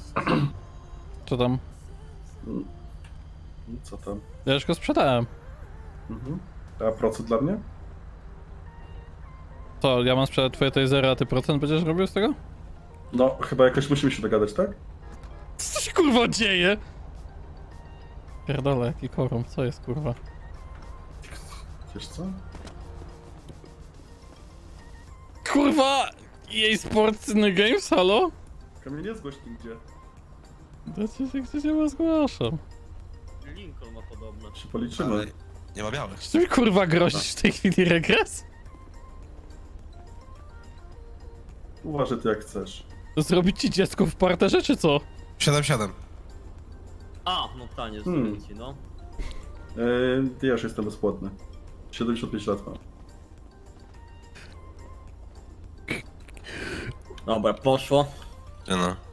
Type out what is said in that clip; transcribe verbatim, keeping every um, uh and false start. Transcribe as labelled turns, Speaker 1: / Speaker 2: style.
Speaker 1: Co tam?
Speaker 2: Co tam?
Speaker 1: Ja już go sprzedałem.
Speaker 2: Mhm. A procent dla mnie?
Speaker 1: Co, ja mam sprzedać twoje tasery, a ty procent będziesz robił z tego?
Speaker 2: No, chyba jakoś musimy się dogadać, tak?
Speaker 1: Co się kurwa dzieje? Pierdolę, jaki korum, co jest kurwa?
Speaker 2: Wiesz co?
Speaker 1: Kurwa! E A Sports in Games, halo?
Speaker 2: Kamil, nie zgłoś nigdzie.
Speaker 1: Dacie się gdzieś nie zgłaszam.
Speaker 3: Lincoln ma podobne.
Speaker 2: Się policzymy.
Speaker 4: Ale nie ma białych.
Speaker 1: Czy ty mi kurwa grozisz w tej chwili regres?
Speaker 2: Uważaj ty jak chcesz.
Speaker 1: Zrobić ci dziecko w parterze, czy co?
Speaker 4: siedem siedem.
Speaker 3: A, no tanie,
Speaker 2: Hmm.
Speaker 3: zrobię ci, no.
Speaker 2: Yy, ja już jestem bezpłatny. siedemdziesiąt pięć lat mam.
Speaker 3: Dobra, poszło.
Speaker 4: Nie no.